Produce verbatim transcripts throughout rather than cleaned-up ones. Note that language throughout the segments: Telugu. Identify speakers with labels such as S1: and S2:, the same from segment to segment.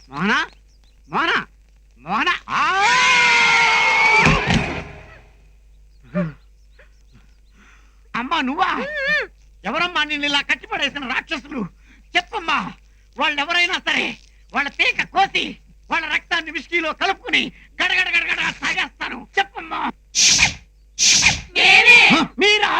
S1: మోహన మోహన మోహన అమ్మా నువ్వా? ఎవరమ్మా నిన్ను ఇలా కట్టిపడేసిన రాక్షసులు? చెప్పమ్మా. వాళ్ళు ఎవరైనా సరే వాళ్ళ పీక కోసి వాళ్ళ రక్తాన్ని విస్కీలో కలుపుకుని గడగడ గడగడ తాగేస్తాను. చెప్పమ్మా. మీరా?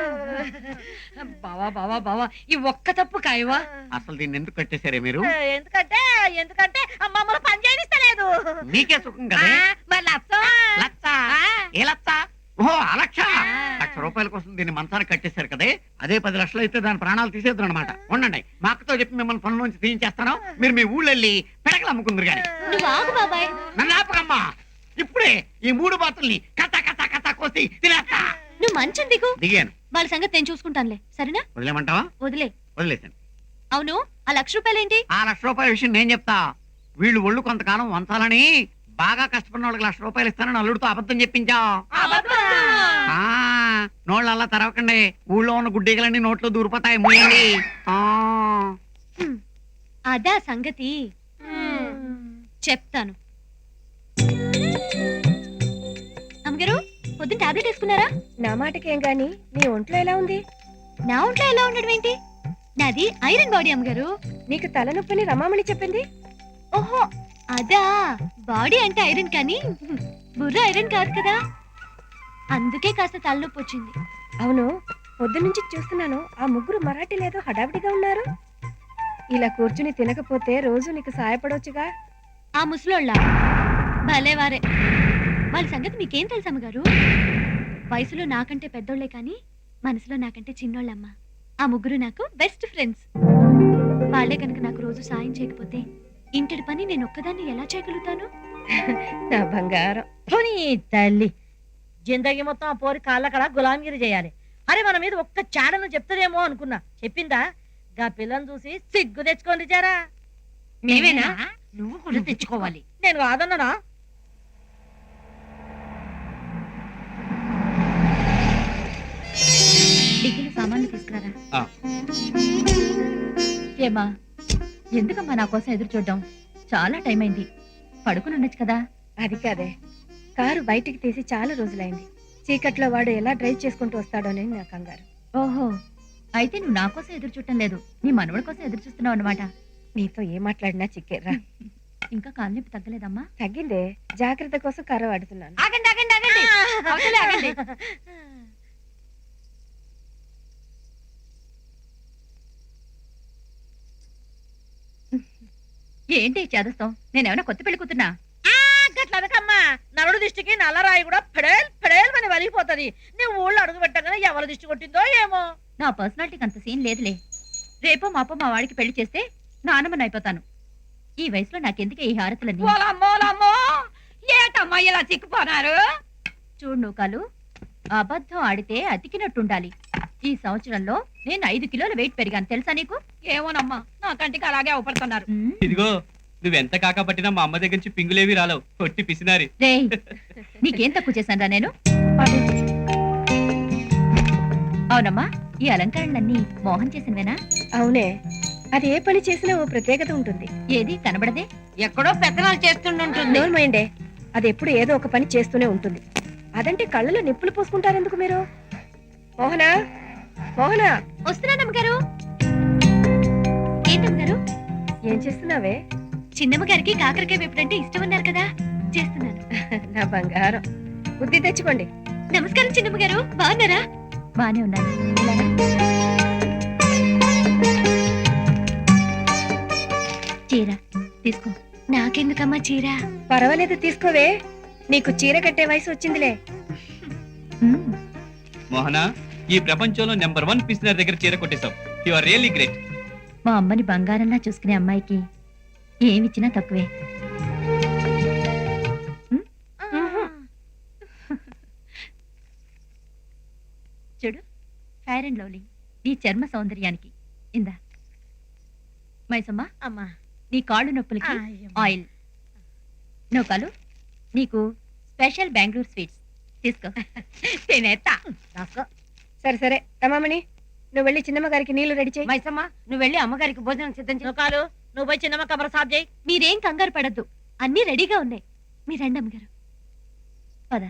S2: బావా బావా బావా ఈ ఒక్క తప్పు కాయవా?
S1: అసలు దీన్ని ఎందుకు కట్టేశారే మీరు?
S2: ఎందుకంటే ఎందుకంటే మమ్మల్ని పని చేయనిస్తలేదు.
S1: నీకే సుఖం కదా.
S2: మరి లచ్చ
S1: లచ్చ ఏ లచ్చ? ఓహో ఆ లక్ష. లక్ష రూపాయల కోసం దీన్ని మంచానికి కట్టేశారు కదే. అదే పది లక్షలు అయితే దాని ప్రాణాలు తీసేద్దాం అనమాట. ఉండండి, మా అక్కతో చెప్పి మిమ్మల్ని పనుల నుంచి తీయించేస్తాను. మీరు మీ ఊళ్ళో వెళ్ళి పిడకలు అమ్ముకుందరు గాని.
S2: నువ్వు ఆగు బాబాయ్.
S1: నన్ను ఆపకమ్మా. ఇప్పుడే ఈ మూడు బాతుల్ని కథ కథ కథ కోసి తినేస్తా.
S2: నువ్వు మంచం దిగు.
S1: దిగాను.
S2: వాళ్ళ సంగతి నేను చూసుకుంటానులే. సరేనా?
S1: వదిలేమంటావా?
S2: వదిలే.
S1: వదిలేసాను.
S2: అవును ఆ లక్ష రూపాయలేంటి?
S1: ఆ లక్ష రూపాయల విషయం నేను చెప్తా. వీళ్ళు ఒళ్ళు కొంతకాలం వంచాలని బాగా కష్టపడిన వాళ్ళకి లక్ష రూపాయలు ఇస్తానని అల్లుడితో అబద్ధం చెప్పించా. నోళ్ళు అలా తెరవకండి. ఊళ్ళో ఉన్న గుడ్డీగలన్నీ నోట్లో దూరిపోతాయి. మూయండి.
S2: అదా సంగతి. చెప్తాను. అమ్మగారు పొద్దున్న టాబ్లెట్ వేసుకున్నారా?
S3: నా మాటకేం గాని నీ ఒంట్లో ఎలా ఉంది?
S2: నా ఒంట్లో ఎలా ఉండడం ఏంటి? నాది ఐరన్ బాడీ అమ్మగారు.
S3: నీకు తలనొప్పిని రమామణి చెప్పింది.
S2: ఓహో అదా. బాడీ అంటే ఐరన్ కానీ బుర్ర ఐరన్ కాదు కదా. అందుకే కాస్త తలనొప్పి వచ్చింది.
S3: అవును, పొద్దునుంచి చూస్తున్నాను ఆ ముగ్గురు మరాఠీలేదో హడావిడిగా ఉన్నారు. ఇలా కూర్చుని తినకపోతే రోజు నీకు సాయపడవచ్చుగా.
S2: ఆ ముసలోళ్ళ భలేవారే. వాళ్ళ సంగతి మీకేం తెలుసు అమ్మగారు? వయసులో నాకంటే పెద్దోళ్లే కానీ మనసులో నాకంటే చిన్నోళ్ళమ్మ. ఆ ముగ్గురు నాకు బెస్ట్ ఫ్రెండ్స్. వాళ్ళే కనుక నాకు రోజు సాయం చేయకపోతే ఇంటి పని నేను ఒక్కదాన్ని ఎలా చేయగలుగుతాను?
S3: నా బంగారం.
S4: తల్లి జిందగీ మొత్తం ఆ పోరి కాళ్ళకడ గులాంగిరి చేయాలి. అరే మన మీద ఒక్క చాడను చెప్తారేమో అనుకున్నా. చెప్పిందా? గా పిల్లని చూసి సిగ్గు తెచ్చుకోండి జారా.
S2: మేమేనా?
S4: నువ్వు కూడా తెచ్చుకోవాలి. నేను కాదన్నానా?
S2: డిగ్రీలో సామాన్లు తీసుకురారా. ఏమా ఎందుకమ్మా నా కోసం ఎదురు చూడడం? చాలా టైం అయింది. పడుకుని ఉండొచ్చు కదా.
S3: అది కాదే, కారు బయటికి తీసి చాలా రోజులైంది. చీకట్లో వాడు ఎలా డ్రైవ్ చేసుకుంటూ వస్తాడోనని నా కంగారు.
S2: ఓహో అయితే నువ్వు నా కోసం ఎదురు చూడటం లేదు, నీ మనవడి కోసం ఎదురు చూస్తున్నావు అనమాట.
S3: నీతో ఏం మాట్లాడినా చిక్కేరా.
S2: ఇంకా కాలు నొప్పి తగ్గలేదమ్మా?
S3: తగ్గిందే, జాగ్రత్త కోసం కర్ర వాడుతున్నాను.
S2: ఆగండి ఆగండి ఆగండి అవతలే ఆగండి. ఏంటి చేదస్తాం? నేనేమన్నా కొత్త పెళ్లి కూతున్నా?
S4: గట్లనకమ్మా, నలుడు దిష్టికి నల్లరాయి కూడా పెడేల్ పెడేల్ అని వలిగిపోతుంది. నువ్వు ఊళ్ళో అడుగు పెట్టగానే ఎవరి దిష్టి కొట్టిందో ఏమో.
S2: నా పర్సనాలిటీకి అంత సీన్ లేదులే. రేపో మాపో మా వాడికి పెళ్లి చేస్తే నానమ్మని అయిపోతాను. ఈ వయసులో నాకెందుకే ఈ హారతులన్నీ?
S4: ఏటమ్మా ఇలా చిక్కుపోనారు?
S2: చూడు నూకాలు, అబద్ధం ఆడితే అతికినట్టుండాలి. ఈ సంవత్సరంలో నేను ఐదు కిలోల వెయిట్ పెరిగాను తెలుసా నీకు?
S4: ఏమోనమ్మా, నా కంటికి అలాగే అవపడుతున్నారు.
S5: ఇదిగో నువ్వెంత కాకపట్టినా మా అమ్మ దగ్గర నుంచి పింగులేవి రాలవు. కొట్టి పిసినారి.
S2: రేయ్, నీకేం తక్కువ చేశాను నేను? అవునమ్మా, ఈ అలంకరణలన్నీ మోహన్ చేసినవేనా?
S3: అవునే, అది ఏ పని చేసినా ఓ ప్రత్యేకత ఉంటుంది.
S2: ఏది కనబడదే?
S4: ఎక్కడో పెద్దనాలు చేస్తుంటుంది.
S3: నోర్మైండే, అది ఎప్పుడు ఏదో ఒక పని చేస్తూనే ఉంటుంది. అదంటే కళ్ళలో నిప్పులు పోసుకుంటారెందుకు మీరు? మోహనా, మోహనా,
S2: వస్తున్నానమ్మ గారు. ఏంటమ్మ గారు?
S3: ఏం చేస్తున్నావే?
S2: చిన్నమ్మ గారికి కాకరకాయ వేపుడంటే ఇష్టం ఉన్నారు కదా, చేస్తున్నాను.
S3: నా బంగారం, బుద్ధి తెచ్చుకోండి.
S2: నమస్కారం చిన్నమ్మ గారు, బాగున్నారా? బానే ఉన్నాను. చీర తీసుకో. నాకెందుకమ్మా చీర?
S3: పర్వాలేదు తీసుకోవే, నీకు చీర కట్టే వయసు వచ్చిందిలే.
S5: మోహన, ఈ ప్రపంచంలో నెంబర్ వన్ పిసినర్ దగ్గర చీర కొట్టేశావు. You are really great.
S2: మా అమ్మని బంగారంలా చూసుకునే అమ్మాయికి ఏమిచ్చినా తక్కువే. చూడు, ఫైర్ అండ్ లవ్లీ నీ చర్మ సౌందర్యానికి. ఇందా మైసమ్మా,
S4: అమ్మా
S2: నీ కాళ్ళు నొప్పులకి ఆయిల్. నౌకాలు, నీకు స్పెషల్ బెంగళూరు స్వీట్స్ తీసుకో.
S4: తినేత్తా.
S3: సరే సరే రమామణి, నువ్వు వెళ్ళి చిన్నమ్మ గారికి నీళ్లు రెడీ చేయి.
S4: మైసమ్మ, నువ్వు వెళ్ళి అమ్మగారికి భోజనం సిద్ధం చేసుకోలు. నువ్వు పోయి చిన్నమ్మ కబర సాబ్ చేయి.
S2: మీరేం కంగారు పడద్దు, అన్నీ రెడీగా ఉన్నాయి. మీ రండి అమ్మగారు. పద.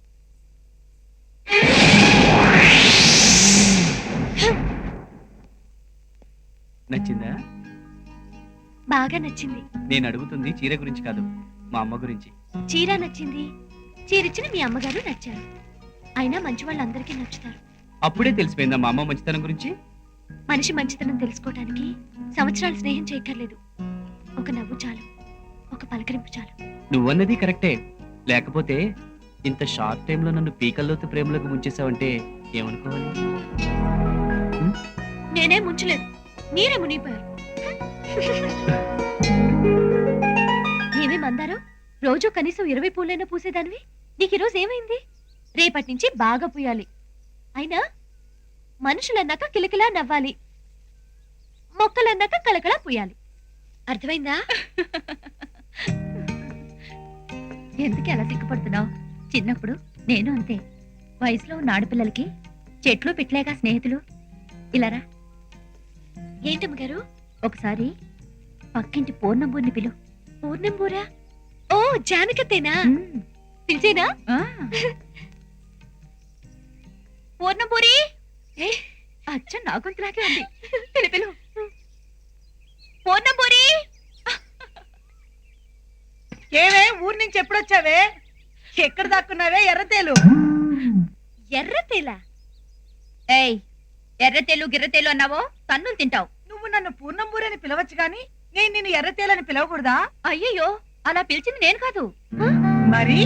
S5: నచ్చిందా?
S2: బాగా నచ్చింది.
S5: నేను అడుగుతుంది చీర గురించి కాదు, మా అమ్మ గురించి.
S2: చీర నచ్చింది, చీరిచ్చిన మీ అమ్మగారు నచ్చారు. అయినా మంచి వాళ్ళందరికీ నచ్చుతారు.
S5: అప్పుడే తెలిసిపోయిందా మా అమ్మ మంచితనం గురించి?
S2: మనిషి మంచితనం తెలుసుకోవటానికి సంవత్సరాలు స్నేహం చేయక్కర్లేదు. ఒక నవ్వు చాలు, ఒక పలకరింపు చాలు.
S5: నువ్వన్నది కరెక్టే. లేకపోతే ఇంత షార్ట్ టైంలో నన్ను పీకల్లోతు ప్రేమలోకి ముంచేసావంటే ఏమనుకోవాలి?
S2: నేనే ముంచలేదు, మీరే మునిగిపోయారు. ఏమే మందారు, రోజు కనీసం ఇరవై పూలైనా పూసేదానివి, నీకు ఈరోజు ఏమైంది? రేపటి నుంచి బాగా పూయాలి. అయినా మనుషులన్నాక కిలకిలా నవ్వాలి, మొక్కలన్నాక కలకలా పూయాలి. అర్థమైందా? ఎందుకు అలా సిగ్గుపడుతున్నావు? చిన్నప్పుడు నేను అంతే. వయసులో ఉన్న ఆడపిల్లలకి చెట్లు పిట్లేగా స్నేహితులు. ఇలారా. ఏంటమ్మ గారు? ఒకసారి పక్కింటి పూర్ణంబూరిని పిలు. పూర్ణంబూరా? ఓ జానకత్తేనా? పిలిచేనా? పూర్ణంబూరి అచ్చ నా గొంతులాగే ఉంది. పిలు పిలు. పూర్ణంబూరి.
S4: ఏవే ఊరి నుంచి ఎప్పుడొచ్చావే? ఎక్కడ దాక్కున్నావే ఎర్రతేలు?
S2: ఎర్రతేలా? ఏయ్, ఎర్రతేలు గిర్రతేలు అన్నావో తన్నులు తింటావు.
S4: నువ్వు నన్ను పూర్ణంబూరి అని పిలవచ్చు గాని నేను నిన్ను ఎర్రతేలని పిలవకూడదా?
S2: అయ్యయ్యో, అలా పిలిచింది నేను కాదు.
S4: మరి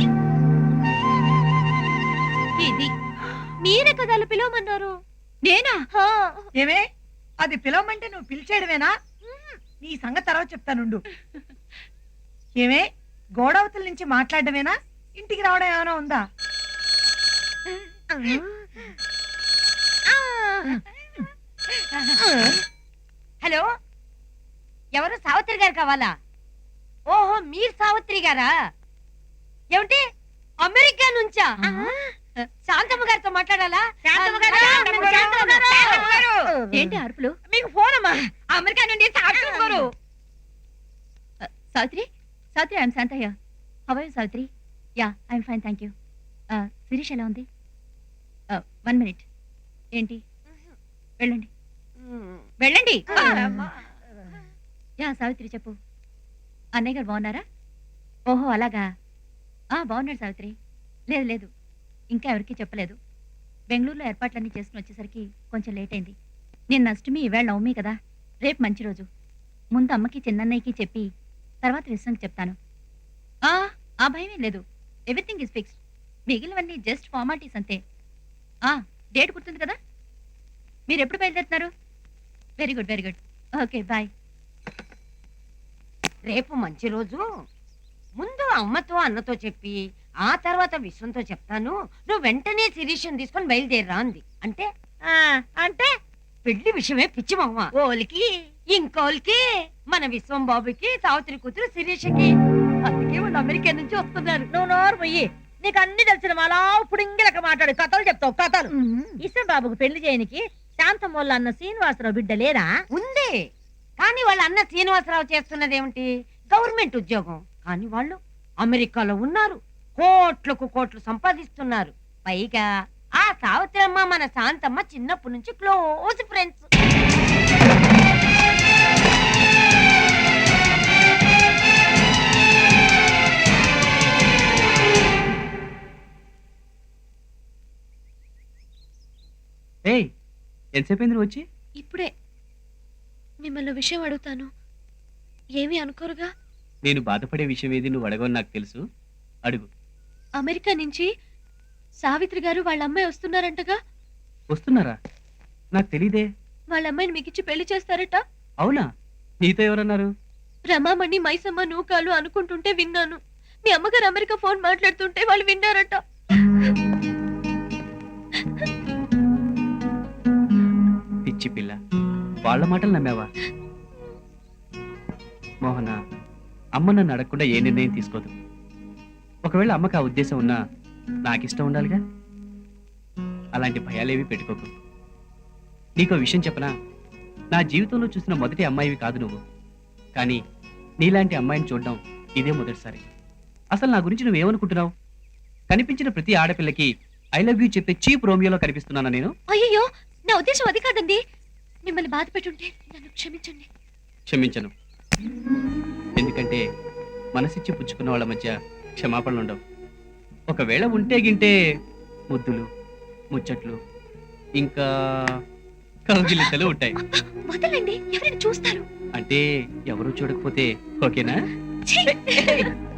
S2: ఇది మీరే కదా అలా పిలవమన్నారు. నేనా?
S4: ఏమే అది పిలవమంటే నువ్వు పిలిచేయడమేనా? నీ సంగతి తర్వాత చెప్తానుండు. ఏమే గోడవతల నుంచి మాట్లాడమేనా? ఇంటికి రావడం ఏమైనా ఉందా?
S3: హలో, ఎవరు? సావిత్రి గారు కావాలా? ఓహో, మీరు సావిత్రి గారా? ఏమిటి అమెరికా నుంచా? శాంతమ్మ గారితో మాట్లాడాలా?
S4: శాంతమ్మ గారు,
S3: శాంతమ్మ గారు, శాంతమ్మ గారు.
S2: ఏంటి అరుపులు?
S3: మీకు ఫోన్ అమ్మా, అమెరికా నుండి సావిత్రి గారు.
S2: Savitri, Savitri, I'm Shantayya. How are you Savitri? Yeah, I'm fine, thank you. Sirish ఎలా ఉంది? One minute. ఏంటి? వెళ్ళండి వెళ్ళండి. యా సావిత్రి, చెప్పు. అన్నయ్య గారు బాగున్నారా? ఓహో అలాగా. ఆ బాగున్నాడు సావిత్రి. లేదు లేదు, ఇంకా ఎవరికీ చెప్పలేదు. బెంగళూరులో ఏర్పాట్లన్నీ చేసుకుని వచ్చేసరికి కొంచెం లేట్ అయింది. నేను అష్టమి, ఈవేళ నవమి కదా, రేపు మంచి రోజు. ముందు అమ్మకి చిన్నన్నయ్యకి చెప్పి తర్వాత విశ్వంకి చెప్తాను. ఆ ఆ భయమేం లేదు, ఎవ్రీథింగ్ ఈజ్ ఫిక్స్డ్. మిగిలినవన్నీ జస్ట్ ఫార్మాలిటీస్ అంతే. ఆ డేట్ గుర్తుంది కదా? మీరు ఎప్పుడు బయలుదేరుతున్నారు? Very good very good. Okay bye.
S3: రేపు మంచి రోజు. ముందు అమ్మతో అన్నతో చెప్పి ఆ తర్వాత విశ్వంతో చెప్తాను. నువ్వు వెంటనే శిరీషం తీసుకొని బయలుదేరరా అంది. అంటే అంటే పెళ్లి విషయమే పిచ్చి మమ్మ. ఓలికి ఇంకోలికి మన విశ్వం బాబుకి సావిత్రి కూతురు శిరీషకి. అందుకే వాళ్ళు అమెరికా నుంచి వస్తున్నారు.
S4: నువ్వు నోరు పోయి, నీకు అన్ని తెలిసిన మాలా ఇప్పుడు ఇంగిలక మాట్లాడు కథలు చెప్తావు కథలు. ఇసం బాబుకు పెళ్లి చేయనికి శాంతమ్మ వాళ్ళ అన్న శ్రీనివాసరావు బిడ్డ లేరా?
S3: ఉంది, కానీ వాళ్ళ అన్న శ్రీనివాసరావు చేస్తున్నది ఏమిటి? గవర్నమెంట్ ఉద్యోగం. కానీ వాళ్ళు అమెరికాలో ఉన్నారు, కోట్లకు కోట్లు సంపాదిస్తున్నారు. పైగా ఆ సావిత్రమ్మ మన శాంతమ్మ చిన్నప్పటి నుంచి క్లోజ్ ఫ్రెండ్స్.
S5: ఏయ్, ఎంతసేపు అయింది నువ్వు వచ్చి?
S2: ఇప్పుడే. మిమ్మల్ని విషయం అడుగుతాను, ఏమీ అనుకోరుగా?
S5: నేను బాధపడే విషయం ఏది నువ్వు అడగవని నాకు తెలుసు, అడుగు.
S2: అమెరికా నుంచి సావిత్రి గారు వాళ్ళ అమ్మాయి వస్తున్నారంటగా?
S5: వస్తున్నారా? నాకు తెలీదే.
S2: వాళ్ళ అమ్మాయిని మీకిచ్చి పెళ్లి చేస్తారట.
S5: అవునా? నీతో ఎవరన్నారు?
S2: రమామణి, మైసమ్మ, నూకాలు అనుకుంటుంటే విన్నాను. మీ అమ్మగారు అమెరికా ఫోన్ మాట్లాడుతుంటే వాళ్ళు విన్నారట.
S5: పిచ్చి పిల్ల, వాళ్ళ మాటలు నమ్మావా? మోహన, అమ్మ నన్ను అడగకుండా ఏ నిర్ణయం తీసుకోదు. ఒకవేళ అమ్మకు ఆ ఉద్దేశం ఉన్నా నాకిష్టం ఉండాలిగా. అలాంటి భయాలేవి పెట్టుకోకు. నీకో విషయం చెప్పనా? నా జీవితంలో చూసిన మొదటి అమ్మాయివి కాదు నువ్వు. కానీ నీలాంటి అమ్మాయిని చూడడం ఇదే మొదటిసారి. అసలు నా గురించి నువ్వేమనుకుంటున్నావు? కనిపించిన ప్రతి ఆడపిల్లకి ఐ లవ్ యూ చెప్పే చీప్ రోమియోలో కనిపిస్తున్నానా నేను?
S2: అయ్యో నా ఉద్దేశం అది కాదండి. మిమ్మల్ని బాధ పెట్టుంటే నన్ను క్షమించండి.
S5: క్షమించను. ఎందుకంటే మనసిచ్చి పుచ్చుకున్న వాళ్ళ మధ్య క్షమాపణలు ఉండవు. ఒకవేళ ఉంటే గింటే ముద్దులు, ముచ్చట్లు, ఇంకా కౌగిలింతలు ఉంటాయి.
S2: అబ్బా, వదలండి, ఎవరైనా చూస్తారు.
S5: అంటే ఎవరు చూడకపోతే ఓకేనా?
S2: ఛీ!